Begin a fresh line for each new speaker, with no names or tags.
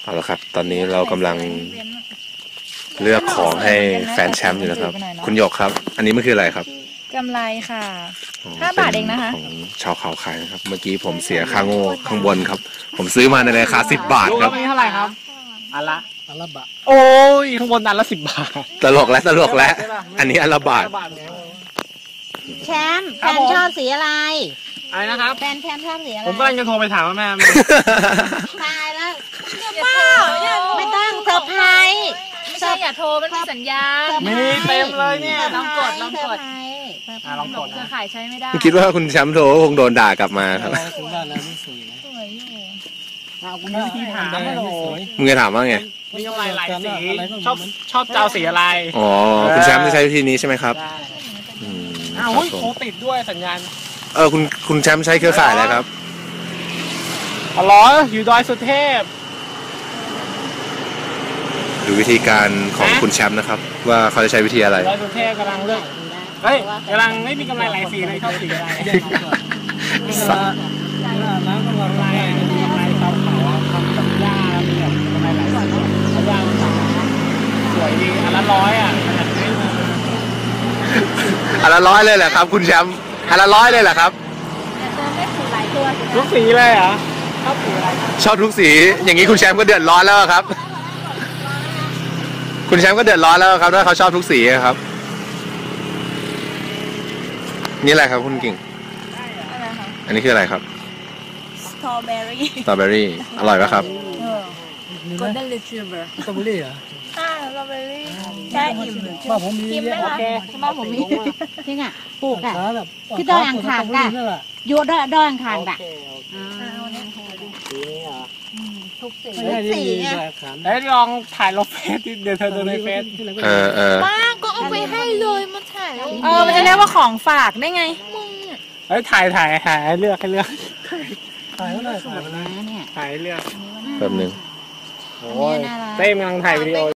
เอาละครับตอนนี้เรากำลังเลือกของให้แฟนแชมป์อยู่นะครับคุณหยกครับอันนี้มันคืออะไรครับ
กำไรค่ะ5 บาทเองนะคะ
ของชาวเขาขายนะครับเมื่อกี้ผมเสียค่าโง่ข้างบนครับผมซื้อมาในราคา10 บาทครับ
อันนี้เท่าไหร่ครับอันละบาทโอ้ยข้างบนอันละ10 บาท
ตลกแล้วอันนี้อันละบาท
แชมป์แฟนชอบสีอะไร
นะครับ
แฟนชอบสีอะไร
ผมกำลังจะโทรไปถามว่าแม่
ตายแล้วไม่ต้องเซอร์ไพรส์
ไม่ใช่อย่าโทรมันมีสัญญาณ
มีเต็มเลยเนี่ย
ลองกดลองกดเครือข่ายใช้ไม่ได้
คิดว่าคุณแชมป์โทรคงโดนด่ากลับมาครับ
สวยอยู่
คุณมีวิธีถามไม่หรอ
มึงจะถามว่าไง
มีกำไรหลายสีชอบเจ้าสีอะไร
อ๋อคุณแชมป์จะใช้วิธีนี้ใช่ไหมครับ
อ้าวโทรติดด้วยสัญญาณ
คุณแชมป์ใช้เครือข่ายอะไรครับ
อ๋ออยู่ดอยสุเทพ
ดูวิธีการของคุณแชมป์นะครับว่าเขาจะใช้วิธีอะไร
ดอยสุเทพกำลังเลือกกำลังไม่มีกำไรหลายสีเลยชอบสีอะไรน้ำกำไรมีกำไรชาวเขาทำกับหญ้าแล้วมีแบบกำไรหลายสีหญ้าสวยดีอันละ100อ่ะ
อันละ100เลยเหรอครับคุณแชมป์อันละ100เลยเหรอครับ
ทุกสีเลยเหรอชอบสีอะไร
ชอบทุกสีอย่างนี้คุณแชมป์ก็เดือดร้อนแล้วครับคุณแชมป์ก็เดือดร้อนแล้วครับถ้าเขาชอบทุกสีครับนี่อะไรครับคุณกิ่งอันนี้คืออะไรครับ
สตรอเบอ
รี่อร่อยไหมครับ
กดได้เลยชิเบอร์
สตรอเบอรี่เหรอ
สตรอเบอรี่แช่อิ่ม
บ้านผมมี
ไหมคะบ้านผมมี
จริงอ่ะปลูกอ่ะที่ดอยอ่างขางอ่ะอยู่ดอยอ่างขางอ่ะทุกสีไง
ลองถ่ายลงเฟซเดี๋ยวเธอดูในเฟซ
บ้าก็เอาไปให้เลยมันถ่ายมันจะเรียกว่าของฝากได้ไงมึง
ถ่ายให้เลือกถ่ายเลือก
แบบนึง
โอ้ยเต้มกำลังถ่ายวิดีโอ